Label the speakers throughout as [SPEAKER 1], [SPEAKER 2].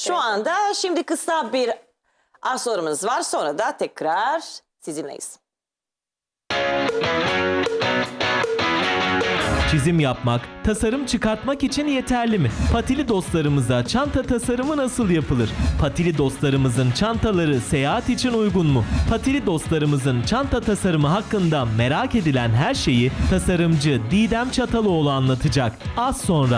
[SPEAKER 1] Şu anda şimdi kısa bir sorumuz var. Sonra da tekrar sizinleyiz.
[SPEAKER 2] Çizim yapmak, tasarım çıkartmak için yeterli mi? Patili dostlarımıza çanta tasarımı nasıl yapılır? Patili dostlarımızın çantaları seyahat için uygun mu? Patili dostlarımızın çanta tasarımı hakkında merak edilen her şeyi tasarımcı Didem Çataloğlu anlatacak. Az sonra.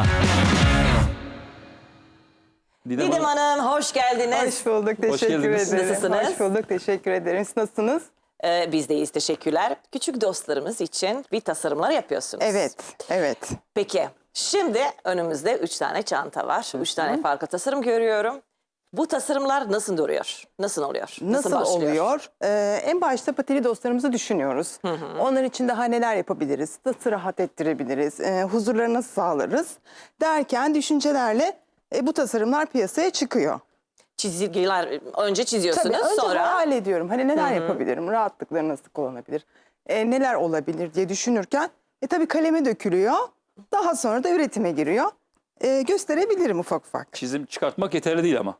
[SPEAKER 1] Didem Hanım hoş geldiniz.
[SPEAKER 3] Hoş bulduk, teşekkür
[SPEAKER 4] geldiniz.
[SPEAKER 3] ederim.
[SPEAKER 1] Nasılsınız?
[SPEAKER 3] Hoş bulduk, teşekkür ederim. Siz nasılsınız?
[SPEAKER 1] Biz de iyiyiz, teşekkürler. Küçük dostlarımız için bir tasarımlar yapıyorsunuz.
[SPEAKER 3] Evet, evet.
[SPEAKER 1] Peki şimdi önümüzde 3 tane çanta var. 3 tane farklı tasarım görüyorum. Bu tasarımlar nasıl duruyor? Nasıl oluyor?
[SPEAKER 3] Nasıl
[SPEAKER 1] başlıyor?
[SPEAKER 3] oluyor? En başta patili dostlarımızı düşünüyoruz. Onlar için daha neler yapabiliriz? Nasıl rahat ettirebiliriz? Huzurlarını nasıl sağlarız? Derken düşüncelerle bu tasarımlar piyasaya çıkıyor.
[SPEAKER 1] Çizgiler önce çiziyorsunuz,
[SPEAKER 3] Tabii önce
[SPEAKER 1] sonra
[SPEAKER 3] hayal ediyorum. Hani neler yapabilirim? Rahatlıkları nasıl kullanabilir? Neler olabilir diye düşünürken tabii kaleme dökülüyor. Daha sonra da üretime giriyor. Gösterebilirim ufak ufak.
[SPEAKER 4] Çizim çıkartmak yeterli değil ama.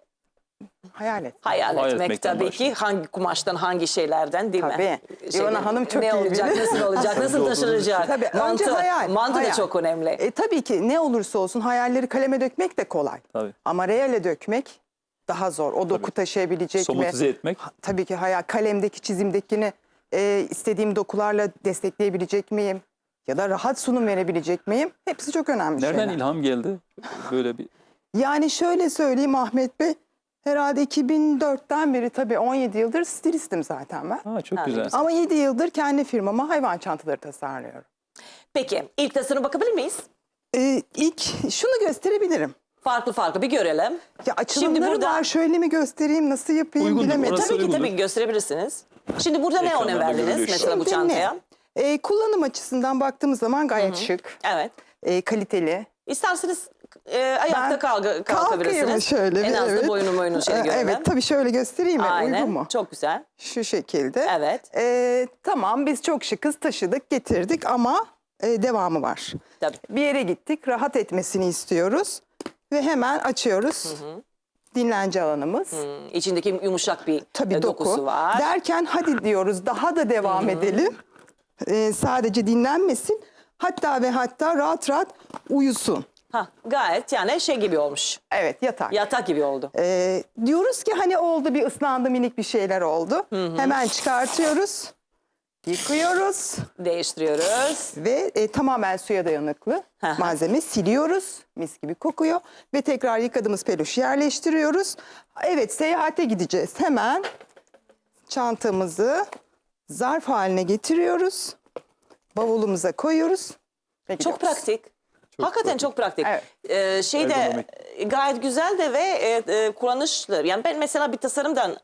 [SPEAKER 3] Hayal et.
[SPEAKER 1] hayal
[SPEAKER 4] Hayal
[SPEAKER 1] etmek
[SPEAKER 4] etmekten
[SPEAKER 1] tabii
[SPEAKER 4] başlıyor.
[SPEAKER 1] ki hangi kumaştan, hangi şeylerden değil mi?
[SPEAKER 3] Tabii. İvana Hanım çok
[SPEAKER 1] ne
[SPEAKER 3] iyi
[SPEAKER 1] olacak,
[SPEAKER 3] bilir.
[SPEAKER 1] nasıl olacak, nasıl taşınacak?
[SPEAKER 3] Tabii, önce
[SPEAKER 1] Mantı,
[SPEAKER 3] hayal,
[SPEAKER 1] mantı da
[SPEAKER 3] hayal.
[SPEAKER 1] çok önemli.
[SPEAKER 3] Tabii ki ne olursa olsun hayalleri kaleme dökmek de kolay.
[SPEAKER 4] Tabii.
[SPEAKER 3] Ama reale dökmek daha zor. O doku taşıyabilecek mi?
[SPEAKER 4] Somatize etmek.
[SPEAKER 3] Tabii ki hayal. Kalemdeki çizimdekini istediğim dokularla destekleyebilecek miyim? Ya da rahat sunum verebilecek miyim? Hepsi çok önemli
[SPEAKER 4] Nereden
[SPEAKER 3] şeyler.
[SPEAKER 4] ilham geldi? Böyle bir
[SPEAKER 3] Yani şöyle söyleyeyim Ahmet Bey. Herhalde 2004'ten beri tabii 17 yıldır stilistim zaten ben.
[SPEAKER 4] çok güzel.
[SPEAKER 3] Ama 7 yıldır kendi firmama hayvan çantaları tasarlıyorum.
[SPEAKER 1] Peki ilk tasarıma bakabilir miyiz?
[SPEAKER 3] İlk şunu gösterebilirim.
[SPEAKER 1] Farklı farklı bir görelim.
[SPEAKER 3] Ya açılımları
[SPEAKER 1] burada-
[SPEAKER 3] var. Şöyle mi göstereyim, nasıl yapayım
[SPEAKER 4] Uygundur,
[SPEAKER 3] bilemedim.
[SPEAKER 4] orası
[SPEAKER 1] Tabii ki
[SPEAKER 4] uygundur.
[SPEAKER 1] tabii gösterebilirsiniz. Şimdi burada ne
[SPEAKER 4] Ekranlarda
[SPEAKER 1] önem verdiniz
[SPEAKER 4] görülüyor şu
[SPEAKER 1] mesela bu
[SPEAKER 3] Şimdi
[SPEAKER 1] çantaya?
[SPEAKER 3] ne? Kullanım açısından baktığımız zaman gayet şık,
[SPEAKER 1] Evet.
[SPEAKER 3] Kaliteli.
[SPEAKER 1] İsterseniz ayakta
[SPEAKER 3] Kalkayım
[SPEAKER 1] kalkabilirsiniz.
[SPEAKER 3] şöyle bir,
[SPEAKER 1] En az da
[SPEAKER 3] evet.
[SPEAKER 1] boyunu şöyle görelim.
[SPEAKER 3] Evet, tabii şöyle göstereyim mi?
[SPEAKER 1] Aynen.
[SPEAKER 3] Uygun mu?
[SPEAKER 1] Çok güzel.
[SPEAKER 3] Şu şekilde.
[SPEAKER 1] Evet.
[SPEAKER 3] Tamam, biz çok şıkız, taşıdık, getirdik ama devamı var.
[SPEAKER 1] Tabii.
[SPEAKER 3] Bir yere gittik, rahat etmesini istiyoruz ve hemen açıyoruz. Dinlence alanımız.
[SPEAKER 1] İçindeki yumuşak bir
[SPEAKER 3] Tabii
[SPEAKER 1] dokusu
[SPEAKER 3] doku.
[SPEAKER 1] var.
[SPEAKER 3] Derken hadi diyoruz, daha da devam edelim. Sadece dinlenmesin. Hatta ve hatta rahat rahat uyusun.
[SPEAKER 1] Gayet yani şey gibi olmuş.
[SPEAKER 3] Evet, yatak.
[SPEAKER 1] Yatak gibi oldu.
[SPEAKER 3] Diyoruz ki hani oldu, bir ıslandı, minik bir şeyler oldu. Hemen çıkartıyoruz. Yıkıyoruz
[SPEAKER 1] Değiştiriyoruz.
[SPEAKER 3] ve tamamen suya dayanıklı malzeme siliyoruz. Mis gibi kokuyor ve tekrar yıkadığımız peluşu yerleştiriyoruz. Evet, seyahate gideceğiz. Hemen çantamızı zarf haline getiriyoruz. Bavulumuza koyuyoruz. ve
[SPEAKER 1] Çok
[SPEAKER 3] gidiyoruz.
[SPEAKER 1] pratik. Hakikaten çok pratik.
[SPEAKER 3] Evet.
[SPEAKER 1] Şey de
[SPEAKER 4] Ergonomik.
[SPEAKER 1] gayet güzel de ve kullanışlı. Yani ben mesela bir tasarımdan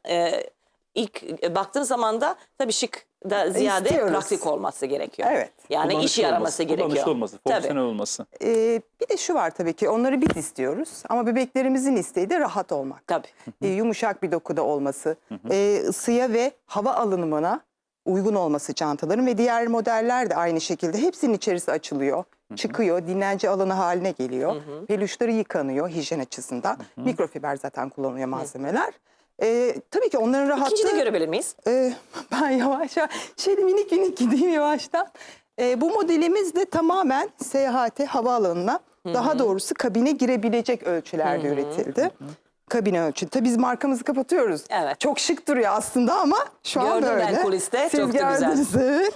[SPEAKER 1] ilk baktığım zaman da tabii şık da ziyade
[SPEAKER 3] İstiyoruz.
[SPEAKER 1] pratik olması gerekiyor.
[SPEAKER 3] Evet.
[SPEAKER 1] Yani işe
[SPEAKER 4] Kullanışlı
[SPEAKER 1] yaraması
[SPEAKER 4] olması,
[SPEAKER 1] gerekiyor.
[SPEAKER 4] Kullanışlı olması,
[SPEAKER 1] Tabii.
[SPEAKER 4] fonksiyonel olması.
[SPEAKER 3] Bir de şu var tabii ki, onları biz istiyoruz ama bebeklerimizin isteği de rahat olmak.
[SPEAKER 1] Tabii.
[SPEAKER 3] Yumuşak bir dokuda olması, ısıya ve hava alınımına uygun olması çantaların ve diğer modeller de aynı şekilde hepsinin içerisi açılıyor, çıkıyor, dinlence alanı haline geliyor. Peluşları yıkanıyor hijyen açısından. Mikrofiber zaten kullanılıyor malzemeler. Tabii ki onların rahatlığı...
[SPEAKER 1] İkinci de görebilir miyiz?
[SPEAKER 3] Ben yavaş yavaş, şöyle minik minik gideyim yavaştan. Bu modelimiz de tamamen seyahate, havaalanına, daha doğrusu kabine girebilecek ölçülerde üretildi. Kabine ölçülü. Tabii biz markamızı kapatıyoruz.
[SPEAKER 1] Evet.
[SPEAKER 3] Çok şık duruyor aslında ama şu an
[SPEAKER 1] Gördüm
[SPEAKER 3] böyle.
[SPEAKER 1] ben kuliste,
[SPEAKER 3] Siz
[SPEAKER 1] çok da güzel.
[SPEAKER 3] gördünüz, evet.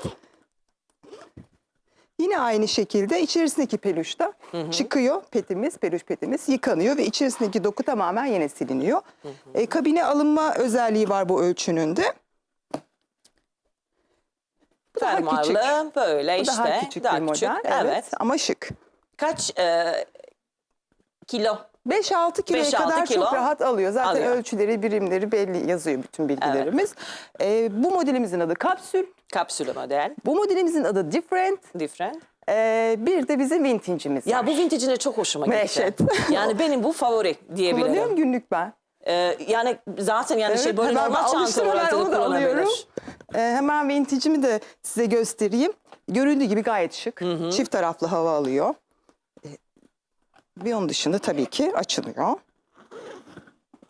[SPEAKER 3] Yine aynı şekilde içerisindeki peluş da çıkıyor, peluş petimiz yıkanıyor ve içerisindeki doku tamamen yine siliniyor. Kabine alınma özelliği var bu ölçünün de. Bu daha küçük.
[SPEAKER 1] Fermuarlı böyle
[SPEAKER 3] Bu
[SPEAKER 1] işte.
[SPEAKER 3] daha küçük bir model. Evet. Ama şık.
[SPEAKER 1] Kaç kilo?
[SPEAKER 3] 5-6 kiloya
[SPEAKER 1] 5-6
[SPEAKER 3] kadar
[SPEAKER 1] kilo
[SPEAKER 3] çok rahat alıyor. Zaten
[SPEAKER 1] alıyor.
[SPEAKER 3] ölçüleri, birimleri belli, yazıyor bütün bilgilerimiz. Bu modelimizin adı kapsül.
[SPEAKER 1] Kapsülü model.
[SPEAKER 3] Bu modelimizin adı different.
[SPEAKER 1] Different.
[SPEAKER 3] Bir de bizim vintage'imiz var.
[SPEAKER 1] Ya bu vintage'in de çok hoşuma gitti.
[SPEAKER 3] Meşet.
[SPEAKER 1] Yani benim bu favori diyebilirim.
[SPEAKER 3] Kullanıyorum günlük ben.
[SPEAKER 1] Yani zaten yani şey
[SPEAKER 3] Evet,
[SPEAKER 1] böyle
[SPEAKER 3] hemen
[SPEAKER 1] normal
[SPEAKER 3] alıştım,
[SPEAKER 1] çanta olarak
[SPEAKER 3] hemen
[SPEAKER 1] da
[SPEAKER 3] onu da alıyorum.
[SPEAKER 1] kullanabilir.
[SPEAKER 3] Hemen vintage'imi de size göstereyim. Görüldüğü gibi gayet şık. Çift taraflı hava alıyor. Bir onun dışında tabii ki açılıyor.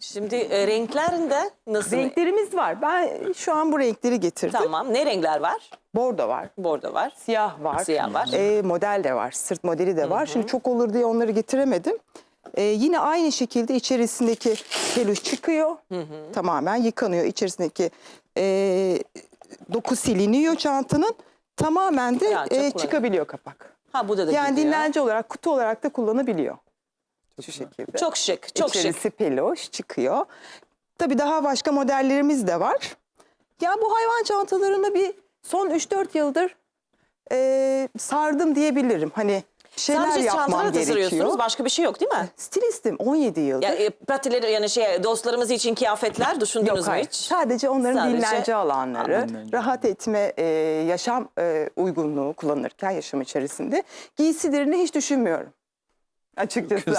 [SPEAKER 1] Şimdi renklerinde nasıl?
[SPEAKER 3] Renklerimiz var. Ben şu an bu renkleri getirdim.
[SPEAKER 1] Tamam. Ne renkler var?
[SPEAKER 3] Bordo var.
[SPEAKER 1] Bordo var.
[SPEAKER 3] Siyah var.
[SPEAKER 1] Siyah var.
[SPEAKER 3] Model de var. Sırt modeli de var. Şimdi çok olur diye onları getiremedim. Yine aynı şekilde içerisindeki peluş çıkıyor. Tamamen yıkanıyor. İçerisindeki doku siliniyor çantanın. Tamamen de
[SPEAKER 1] Rahatça kullanıyor.
[SPEAKER 3] çıkabiliyor kapak.
[SPEAKER 1] Ha bu da
[SPEAKER 3] Yani
[SPEAKER 1] gidiyor.
[SPEAKER 3] dinlence olarak, kutu olarak da kullanabiliyor. Şu şekilde.
[SPEAKER 1] Çok şık. Çok şık.
[SPEAKER 3] İçerisi peluş çıkıyor. Tabii daha başka modellerimiz de var. Ya bu hayvan çantalarını bir son 3-4 yıldır sardım diyebilirim. Hani şeyler
[SPEAKER 1] Sadece
[SPEAKER 3] yapmam
[SPEAKER 1] çantaları tasarıyorsunuz.
[SPEAKER 3] gerekiyor.
[SPEAKER 1] Başka bir şey yok değil mi?
[SPEAKER 3] Stilistim 17 yıldır.
[SPEAKER 1] Ya, patileri yani dostlarımız için kıyafetler düşündünüz
[SPEAKER 3] Yok
[SPEAKER 1] mü
[SPEAKER 3] hayır.
[SPEAKER 1] hiç?
[SPEAKER 3] Sadece onların
[SPEAKER 1] Sadece-
[SPEAKER 3] dinlence alanları,
[SPEAKER 4] Dinlence.
[SPEAKER 3] rahat etme, yaşam uygunluğu kullanırken yaşam içerisinde giysilerini hiç düşünmüyorum. Açıkçası.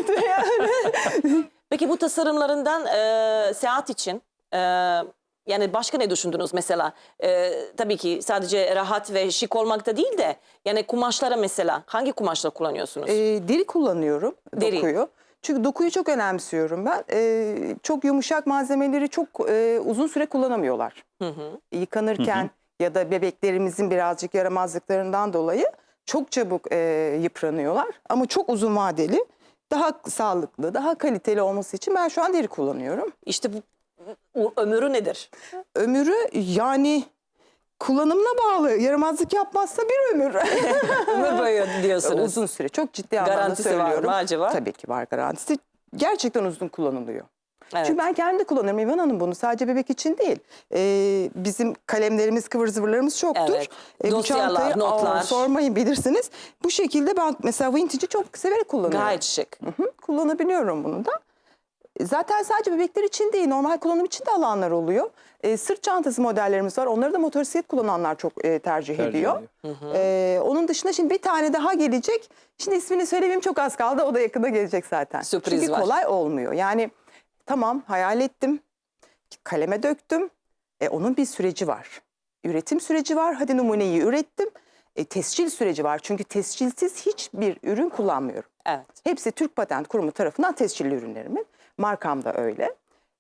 [SPEAKER 1] Peki bu tasarımlarından seyahat için yani başka ne düşündünüz mesela? Tabii ki sadece rahat ve şık olmakta değil de yani kumaşlara mesela hangi kumaşlar kullanıyorsunuz?
[SPEAKER 3] Deri kullanıyorum,
[SPEAKER 1] Deri.
[SPEAKER 3] dokuyu. Çünkü dokuyu çok önemsiyorum ben. Çok yumuşak malzemeleri çok uzun süre kullanamıyorlar. Yıkanırken ya da bebeklerimizin birazcık yaramazlıklarından dolayı çok çabuk yıpranıyorlar. Ama çok uzun vadeli, daha sağlıklı, daha kaliteli olması için ben şu an deri kullanıyorum.
[SPEAKER 1] İşte bu ömrü nedir?
[SPEAKER 3] Ömrü yani kullanımına bağlı. Yaramazlık yapmazsa bir ömür.
[SPEAKER 1] Ömür boyu diyorsunuz.
[SPEAKER 3] Uzun süre. Çok ciddi anlamda
[SPEAKER 1] Garantisi var mı
[SPEAKER 3] söylüyorum.
[SPEAKER 1] acaba?
[SPEAKER 3] Tabii ki var garantisi. Gerçekten uzun kullanılıyor.
[SPEAKER 1] Evet.
[SPEAKER 3] Çünkü ben kendim de kullanırım İvan Hanım bunu. Sadece bebek için değil. Bizim kalemlerimiz, kıvır zıvırlarımız çoktur.
[SPEAKER 1] Evet.
[SPEAKER 3] Bu
[SPEAKER 1] Dosyalar,
[SPEAKER 3] çantayı
[SPEAKER 1] notlar.
[SPEAKER 3] sormayın bilirsiniz. Bu şekilde ben mesela vintage'i çok severek kullanıyorum.
[SPEAKER 1] Gayet şık.
[SPEAKER 3] Kullanabiliyorum bunu da. Zaten sadece bebekler için değil, normal kullanım için de alanlar oluyor. Sırt çantası modellerimiz var. Onları da motosiklet kullananlar çok tercih ediyor. Onun dışında şimdi bir tane daha gelecek. Şimdi ismini söylemeyeyim, çok az kaldı. O da yakında gelecek zaten.
[SPEAKER 1] Sürpriz
[SPEAKER 3] Çünkü
[SPEAKER 1] var.
[SPEAKER 3] kolay olmuyor. Yani tamam hayal ettim, kaleme döktüm. Onun bir süreci var. Üretim süreci var. Hadi numuneyi ürettim. Tescil süreci var. Çünkü tescilsiz hiçbir ürün kullanmıyorum.
[SPEAKER 1] Evet.
[SPEAKER 3] Hepsi Türk Patent Kurumu tarafından tescilli ürünlerimin. Markam da öyle.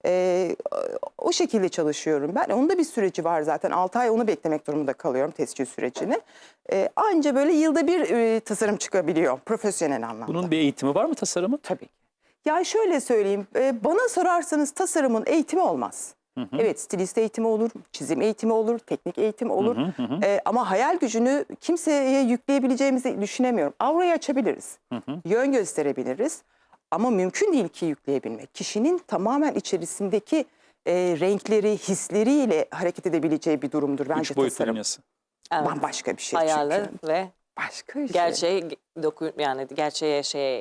[SPEAKER 3] O şekilde çalışıyorum ben. Onun da bir süreci var zaten. 6 ay onu beklemek durumunda kalıyorum, tescil sürecini. Anca böyle yılda bir tasarım çıkabiliyor profesyonel anlamda.
[SPEAKER 4] Bunun bir eğitimi var mı tasarımın?
[SPEAKER 3] Tabii ki. Ya şöyle söyleyeyim, bana sorarsanız tasarımın eğitimi olmaz. Evet, stilist eğitimi olur, çizim eğitimi olur, teknik eğitim olur. Ama hayal gücünü kimseye yükleyebileceğimizi düşünemiyorum. Aurayı açabiliriz, yön gösterebiliriz. Ama mümkün değil ki yükleyebilmek. Kişinin tamamen içerisindeki renkleri, hisleriyle hareket edebileceği bir durumdur bence
[SPEAKER 4] Üç boyutlu
[SPEAKER 3] tasarım.
[SPEAKER 4] dünyası.
[SPEAKER 1] Evet.
[SPEAKER 3] Bambaşka bir şey
[SPEAKER 1] Hayali
[SPEAKER 3] çünkü.
[SPEAKER 1] ve
[SPEAKER 3] Başka bir şey.
[SPEAKER 1] gerçeği yani gerçeğe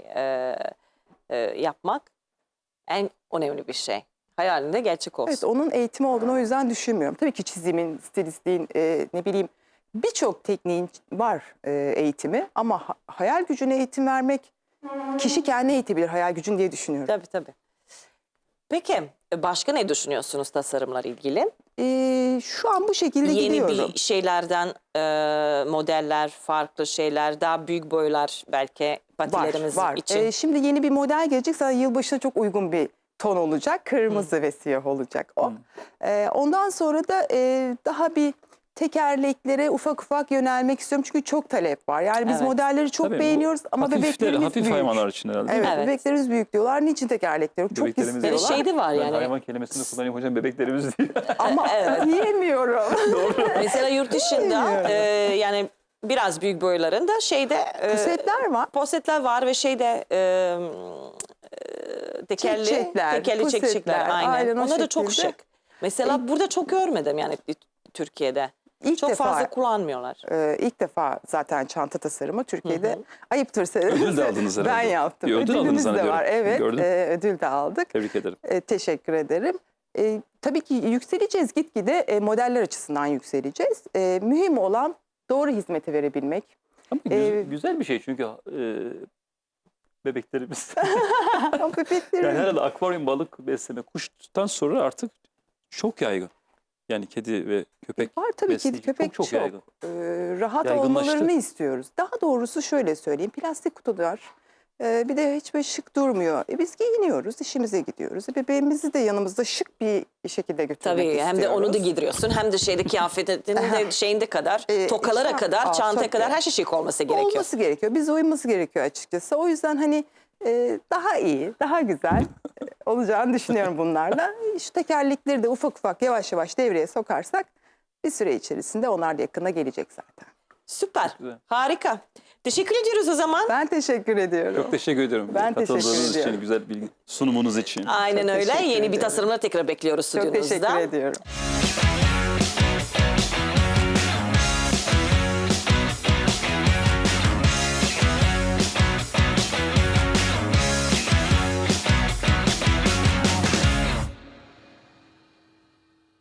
[SPEAKER 1] yapmak en önemli bir şey. Hayalinde gerçek olsun.
[SPEAKER 3] Evet, onun eğitimi olduğunu o yüzden düşünmüyorum. Tabii ki çizimin, stilistliğin, ne bileyim birçok tekniğin var eğitimi. Ama hayal gücüne eğitim vermek, kişi kendine eğitebilir hayal gücün diye düşünüyorum.
[SPEAKER 1] Tabii tabii. Peki başka ne düşünüyorsunuz tasarımla ilgili?
[SPEAKER 3] Şu an bu şekilde
[SPEAKER 1] Yeni
[SPEAKER 3] gidiyorum.
[SPEAKER 1] bir şeylerden modeller, farklı şeyler, daha büyük boylar belki patilerimiz
[SPEAKER 3] var.
[SPEAKER 1] için.
[SPEAKER 3] Şimdi yeni bir model gelecek. Sana yılbaşına çok uygun bir ton olacak. Kırmızı ve siyah olacak o. Ondan sonra da daha bir tekerleklere ufak ufak yönelmek istiyorum. Çünkü çok talep var. Yani biz
[SPEAKER 1] Evet.
[SPEAKER 3] modelleri çok
[SPEAKER 4] Tabii, bu
[SPEAKER 3] beğeniyoruz ama bebeklerimiz
[SPEAKER 4] hafif
[SPEAKER 3] büyük.
[SPEAKER 4] hayvanlar için herhalde. değil
[SPEAKER 3] Evet,
[SPEAKER 4] mi?
[SPEAKER 1] Evet.
[SPEAKER 3] bebeklerimiz büyük diyorlar. Niçin tekerlekleri? Çok
[SPEAKER 4] Bebeklerimiz
[SPEAKER 3] istiyorlar.
[SPEAKER 1] Böyle şey de var
[SPEAKER 4] Ben
[SPEAKER 1] yani.
[SPEAKER 4] hayvan kelimesini kullanayım hocam, bebeklerimiz değil.
[SPEAKER 3] Ama diyemiyorum.
[SPEAKER 1] Mesela yurt dışında yani biraz büyük boylarında
[SPEAKER 3] Pusetler var.
[SPEAKER 1] posetler var ve tekerli
[SPEAKER 3] Çiçekler,
[SPEAKER 1] çiçekler
[SPEAKER 3] pusetler,
[SPEAKER 1] aynen.
[SPEAKER 3] aynen o
[SPEAKER 1] Onlar da çok
[SPEAKER 3] şekilde.
[SPEAKER 1] şık. Mesela burada çok görmedim yani Türkiye'de.
[SPEAKER 3] İlk
[SPEAKER 1] Çok
[SPEAKER 3] defa-
[SPEAKER 1] fazla kullanmıyorlar.
[SPEAKER 3] İlk defa zaten çanta tasarımı Türkiye'de. Ayıptır
[SPEAKER 4] Ödül de aldınız herhalde.
[SPEAKER 3] Ben yaptım.
[SPEAKER 4] Bir ödül aldınız
[SPEAKER 3] Ödülümüz de
[SPEAKER 4] zannediyorum.
[SPEAKER 3] var. Evet,
[SPEAKER 4] Gördüm.
[SPEAKER 3] ödül de aldık.
[SPEAKER 4] Tebrik ederim.
[SPEAKER 3] Teşekkür ederim. Tabii ki yükseleceğiz gitgide, modeller açısından yükseleceğiz. Mühim olan doğru hizmeti verebilmek.
[SPEAKER 4] Ama güzel bir şey çünkü bebeklerimiz.
[SPEAKER 3] Bebeklerin
[SPEAKER 4] Yani herhalde akvaryum balık besleme kuştan sonra artık çok yaygın. Yani kedi ve köpek
[SPEAKER 3] var tabii ki
[SPEAKER 4] besleyici
[SPEAKER 3] köpek
[SPEAKER 4] çok yaygın.
[SPEAKER 3] Rahat
[SPEAKER 4] Yaygınlaştı.
[SPEAKER 3] olmalarını istiyoruz. Daha doğrusu şöyle söyleyeyim. Plastik kutular Bir de hiç böyle şık durmuyor. Biz giyiniyoruz, işimize gidiyoruz. Bebeğimizi de yanımızda şık bir şekilde götürmek
[SPEAKER 1] Tabii
[SPEAKER 3] istiyoruz.
[SPEAKER 1] hem de onu da giydiriyorsun hem de şeyde kıyafetin de şeyinde kadar, tokalara
[SPEAKER 3] işte,
[SPEAKER 1] kadar, çantaya
[SPEAKER 3] tabii.
[SPEAKER 1] kadar her şey şık olması gerekiyor.
[SPEAKER 3] Olması gerekiyor. Bize uyması gerekiyor açıkçası. O yüzden hani daha iyi, daha güzel olacağını düşünüyorum bunlarla. Şu tekerlekleri de ufak ufak yavaş yavaş devreye sokarsak bir süre içerisinde onlar da yakına gelecek zaten.
[SPEAKER 1] Süper,
[SPEAKER 4] güzel.
[SPEAKER 1] harika. Teşekkür ediyoruz o zaman.
[SPEAKER 3] Ben teşekkür ediyorum.
[SPEAKER 4] Çok teşekkür ederim.
[SPEAKER 3] Ben teşekkür
[SPEAKER 4] Katıldığınız
[SPEAKER 3] ediyorum.
[SPEAKER 4] için, güzel bilgi sunumunuz için.
[SPEAKER 1] Aynen
[SPEAKER 3] Çok
[SPEAKER 1] öyle.
[SPEAKER 3] teşekkür
[SPEAKER 1] Yeni bir
[SPEAKER 3] ederim.
[SPEAKER 1] tasarımla tekrar bekliyoruz
[SPEAKER 3] Çok
[SPEAKER 1] stüdyonuzda.
[SPEAKER 3] teşekkür ediyorum.